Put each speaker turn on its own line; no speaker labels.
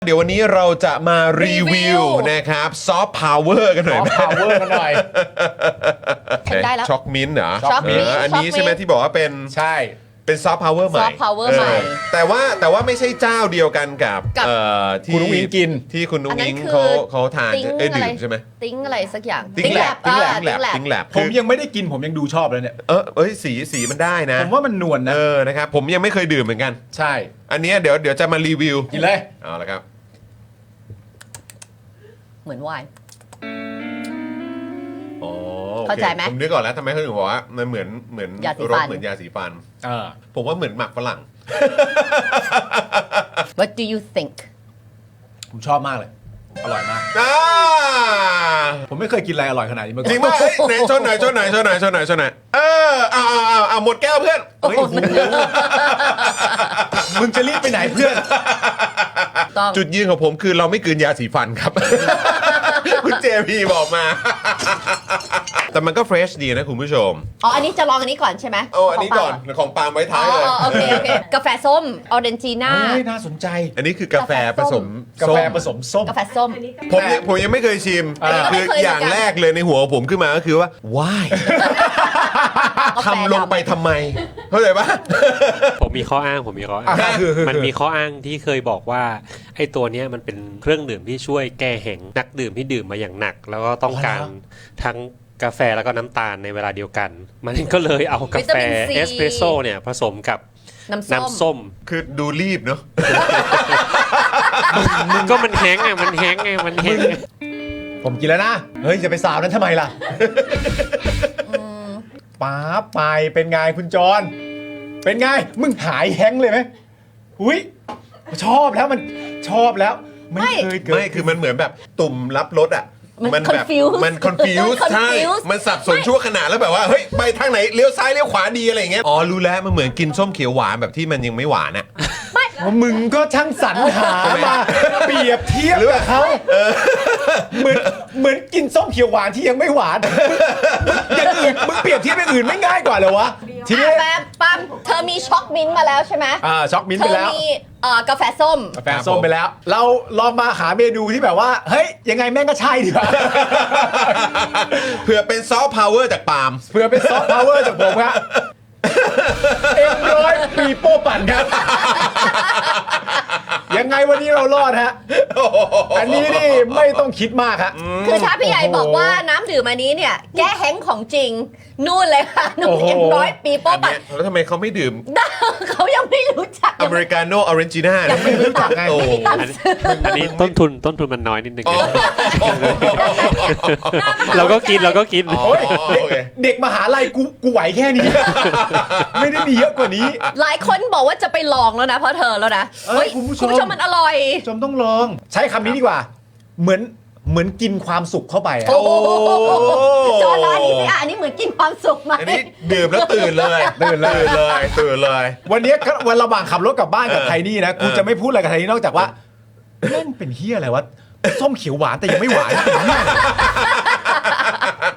เดี๋ยววันนี้เราจะมารีวิวนะครับซอฟต์พาวเวอร์กันหน่อย
ซอฟต์พาวเวอร์กันหน่อย
ฉันได้แล้ว
ช็อกมิ้นท์เหรอ
ช็อกมิ้นท์
อันนี้ใช่ไหมที่บอกว่าเป็น
ใช่
เป็นซอฟต์พาวเวอร์ใหม่
soft power ใหม่
แต่ว่าไม่ใช่เจ้าเดียวกันกับ ที่
คุณนุ้งอิงกิน
ที่คุณนุ้งอิง
อันนั้นคือ
เขาทาน
ติ๊ง
ดื่
อะไร
มใช่ไหม
ติ้งอะไรสักอย่าง
ติ๊งแลบ
ติ๊งแลบ
ติ๊งแลบ
ผมยังไม่ได้กินผมยังดูชอบเลยเนี่ย
สีมันได้นะ
ผมว่ามันนวลนะ
นะครับผมยังไม่เคยดื่มเหมือนกัน
ใช่
อันเนี้ยเดี๋ยวจะมารีวิว
กินเลย
เอาละครับ
เหมือนไวน์
อ๋อโอค
เข้าใจไหม
ผมนึกก่อนแล้วทำไมเขาถึงบอกว่ามันเหมือน
ยาสี
ร
ฟั
ส
น
เหมือนยาสีฟัน
เออ
ผมว่าเหมือนหมักฝรั่ง
What do you think
ผมชอบมากเลย อร่อยมาก
อ่า
ผมไม่เคยกินอะไรอร่อยขนาดนี้มาก่
จ
อ
ริ
น
งป่ะเอ้ยไหนชนหน่อยเอาหมดแก้วเพื่อน
เฮ้ยโอ้โหมึงจะรีบไปไหนเพื่อน
ต้อง
จุดยืนของผมคือเราไม่กลืนยาสีฟันครับ คุณเจพีบอกมา แต่มันก็เฟรชดีนะคุณผู้ชม
อ๋ออันนี้จะลองอันนี้ก่อนใช่ไหม
เอาอันนี้ก่อนของปาล์มไว้
อ๋
ท้าย
อ
เลย
โอเคกาแฟส้มออเรนจีน่า
เฮ้ยน่าสนใจ
อันนี้คือกาแฟผสม
กาแฟผสมส้ม
กาแฟส้ม
ผมยังไม่เคยชิม
อันนี้ก็
คื
ไม่เคย
อย่าง
เหมือนกัน
แรกเลยในหัวผมขึ้นมาก็คือว่า why
กาแฟ
ทำลงไปทำไมเข้าใจปะ
ผมมีข้ออ้าง
อ่ะคือ
มันมีข้ออ้างที่เคยบอกว่าไอ้ตัวเนี้ยมันเป็นเครื่องดื่มที่ช่วยแก้แห้งนักดื่มที่ดื่มมาอย่างหนัก แล้วก็ต้องการทั้งกาแฟแล้วก็น้ำตาลในเวลาเดียวกัน มันก็เลยเอากาแฟ
วิตามินซี
เอสเปรสโซ่เนี่ยผสมกับ
น้ำส้ม
น้ำส้ม
คือดูรีบเนาะ
ก็มันแห้งไงมันแห้งไงมันแห้งไง
ผมกินแล้วนะ เฮ้ยจะไปสาวนั้นทำไมล่ะป๊าบไปเป็นไงคุณจร เป็นไง มึงหายแฮงค์เลยไหมหุยชอบแล้วมันชอบแล้ว ไม่เคยเกิด
ไม่คือมันเหมือนแบบตุ่มรับรสอ่ะ
มัน
แบบ
confuse
มัน confuse ใช่
confuse
มันสับสนชั่วขณะแล้วแบบว่าเฮ้ยไปทางไหนเลี้ยวซ้ายเลี้ยวขวาดีอะไรอย่างเงี้ยอ๋อรู้แล้วมันเหมือนกินส้มเขียวหวานแบบที่มันยังไม่หวานอ่ะ
มึงก็ช่างสรรหามาเปรียบเทียบกับเขาเหมือนกินส้มเขียวหวานที่ยังไม่หวานอย่างอื่นมึงเปรียบเทียบอย่างอื่นไม่ง่ายกว่าเหรอวะทีนี้
ปั๊มเธอมีช็อกมิ้นท์มาแล้วใช่ไหม
ช็อกมิ้นท์
เธ
ไป
อ
แล้ว
มีกาแฟส้ม
กาแฟส้มไปแล้ว เราลองมาหาเมนูที่แบบว่าเฮ้ยยังไงแม่งก็ใช่ดีกว่า
เผื่อเป็นซอฟต์พาวเวอร์จากปาล์ม
เพื่อเป็นซอฟต์พาวเวอร์จากผมครับเอ็มร้อยปีโป้ปั่นครับ ยังไงวันนี้เรารอดฮะ อันนี้นี่ไม่ต้องคิดมากฮะ
คือถ้าพี่ใหญ่บอกว่าน้ำดื่มอันนี้เนี่ย แก้แห้งของจริง นู่นเลยค่ะนุ่ม
โอ้โห
เอ็มร้อยปีโป้
อัน
ปัด
เนี้ยแล้วทำไมเขาไม่ดื่ม
เขายังไม่รู้จัก
อเมริกาโน่ออเรนจิน่า
ยังไม่รู้จักไง
โอ้โห
อันนี้ต้นทุนมันน้อยนิดนึง
อ๋อ
เราก็กิน
โอ้ย
โอเค
เด็กมหาลัยกูไหวแค่นี้ ไม่ได้มีเยอะกว่านี้
หลายคนบอกว่าจะไปลองแล้วนะเพราะเธอแล้วนะ
เอ้ยคุณผู้ชม
มันอร่อย
จมต้องลอง ใช้คำนี้ดีกว่า เหมือนกินความสุขเข้าไปอะ
โอ้โหจอร้านนี้สิอันนี้เหมือนกินความสุขไหม
อันนี้ดื่มแล้วตื่นเลย
ตื่นเลย วันนี้ก็วันระหว่างขับรถกลับบ้านกับไทนี่นะกูจะไม่พูดอะไรกับไทนี่นอกจากว่าแม่งเป็นเฮียอะไรวะส้มเขียวหวานแต่ยังไม่หวานเป็นเฮียอะไร